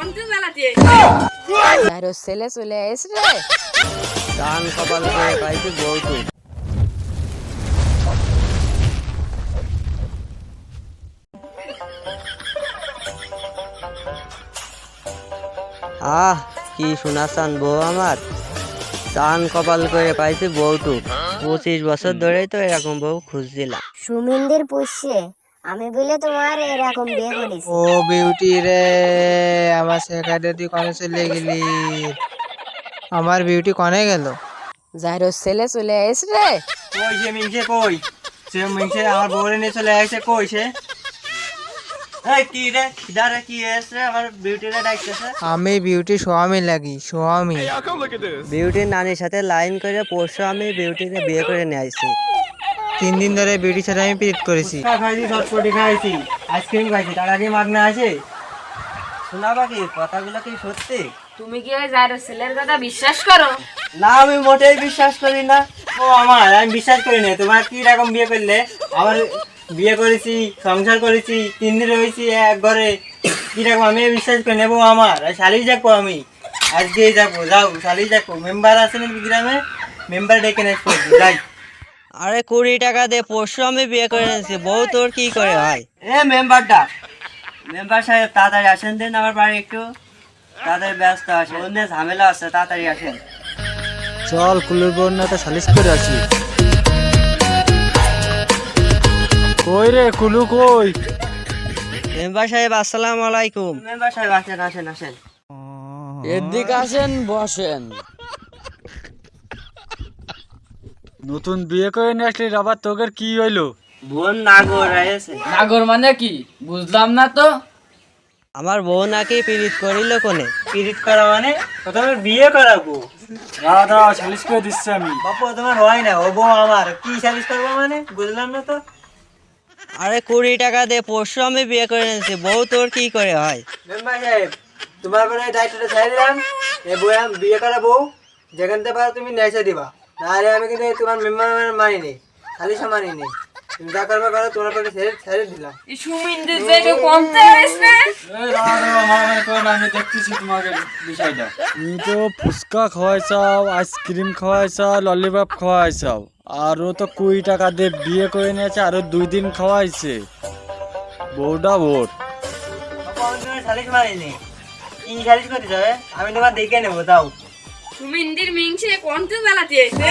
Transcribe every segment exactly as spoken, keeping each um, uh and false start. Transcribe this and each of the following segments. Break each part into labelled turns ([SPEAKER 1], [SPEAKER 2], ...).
[SPEAKER 1] আরে ছেলে চলে এসে রে
[SPEAKER 2] দান কপাল করে পাইছি বউটু। আহ কি শোনাচ্ছান বউ আমার, চান কপাল করে পাইছি বউটু। পঁচিশ বছর ধরেই তো এরকম বউ খুঁজছিলাম।
[SPEAKER 3] সুমিন্দের পুষছে আমি বলে তোমার এরকম বিয়ে করেছি।
[SPEAKER 4] ও বিউটি রে, আমার সেখানে তুই কনে চলে গেলি? আমার বিউটি কনে গেল?
[SPEAKER 1] যাইরো ছেলে চলে এসে রে
[SPEAKER 2] কই সে মিংসে, কই সে মিংসে আমার বউরে নিয়ে চলে আসছে, কই সে? এই কি রে খিদারে কি এসে আমার বিউটিরে ডাকতেছে?
[SPEAKER 4] আমি বিউটি স্বামী লাগি, স্বামী।
[SPEAKER 2] বিউটির নানির সাথে লাইন করে পরশু আমি বিউটিকে বিয়ে করে নিয়ে আসছি।
[SPEAKER 4] তিন দিন ধরে বিউটির সাথে আমি পিরিত করেছি।
[SPEAKER 2] খাইছি, চটপটি খাইছি, আইসক্রিম খাইছি, তার আগে মাগনা আছে। শোনাবা কি কথাগুলো কি সত্যি?
[SPEAKER 1] তুমি কি ওই যাইরো ছেলের কথা বিশ্বাস করো?
[SPEAKER 2] না আমি মোটেই বিশ্বাস করি না। ও আমার, আমি বিশ্বাস করি না। তোমার কি রকম বিয়ে করলে? আমার বিয়ে করেছি, সংসার করেছি, তিন দিন রয়েছি এক ঘরে, কিরকম আমি বিশ্বাস করি নেবো আমার। শালি যাবো আমি, আজকেই যাবো। যাও শালি যাবো, মেম্বার আছে নাকি গ্রামে, মেম্বার ডেকে নেবো, যাই। আরে কুড়ি টাকা দে, পরশু আমি বিয়ে করে নিয়েছি, বউ তোর কি করে হয়? এ মেম্বারটা, মেম্বার সাহেব তাড়াতাড়ি আসেন দেন আমার বাড়ি একটু, তাড়াতাড়ি ব্যস্ত আসেন, অন্য ঝামেলা আছে, তাড়াতাড়ি আসেন।
[SPEAKER 4] চল কুলুর বন্যাটা সালিশ করে আসি। কই রে কুলু, কই?
[SPEAKER 2] মেম্বার সাহেব আসসালামু আলাইকুম। মেম্বার সাহেব আসেন আসেন আসেন।
[SPEAKER 1] এদিকে আসেন, বসেন।
[SPEAKER 4] নতুন বিয়ে করে নিয়ে আসলি, আবার তোদের কি হইলো?
[SPEAKER 2] বোন নাগর আছে।
[SPEAKER 1] নাগর মানে কি বুঝলাম না তো।
[SPEAKER 2] আমার বউ নাকি পীড়িত করিল কোনে? পীড়িত করা মানে প্রথমে বিয়ে করাবো।
[SPEAKER 4] দাঁড়া দাঁড়া, সালিশ করে দিচ্ছি আমি।
[SPEAKER 2] বাপু তোমার হয় না, ও বউ আমার, কি সালিশ করবো মানে বুঝলাম না তো। আরে কুড়ি টাকা দে, পরশু আমি বিয়ে করে নিয়েছি, বউ তোর কি করে হয়? মেম্বার সাহেব তোমার পরে দায়িত্বটা ছেড়ে দিলাম। এ বউ আমি বিয়ে করা বউ, যেখান থেকে পারো তুমি নেচে দিবা, নাহলে আমি কিন্তু তোমার মেম্বার মানি নি, সালিশও মানি নি। তুমি যা করবে করো, তোমার পরে ছেড়ে ছেড়ে দিলাম।
[SPEAKER 1] সুমিন্দের যাইরো কমতে এসে
[SPEAKER 4] আমি দেখতেছি তোমাকে বিষয়টা। তুমি তো ফুচকা খাওয়াইছাও, আইসক্রিম খাওয়াইছাও, ললিপপ খাওয়াইছাও, আর ও তো কুড়ি টাকা দিয়ে বিয়ে করে নিয়েছে, আরো দুই দিন খাওয়াইছে। বউটা ভোট।
[SPEAKER 2] আমি তোমার সালিশ মানি নি, কি সালিশ করতে যাবে? আমি তোমার দেখে নেবো, যাও।
[SPEAKER 1] সুমিন্দির মিংসে কোনতে বেলাতে এসে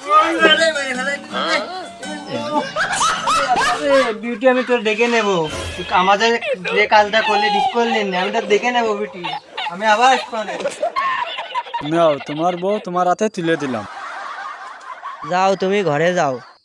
[SPEAKER 2] বিউটি আমি তোর দেখে নেবো, আমাদের যে কাজটা করলে ঠিক করলেন না, আমি তোর দেখে নেবো বিউটি, আমি আবার আসবো।
[SPEAKER 4] নাও তোমার বউ তোমার হাতে তুলে দিলাম।
[SPEAKER 2] যাও তুমি ঘরে যাও।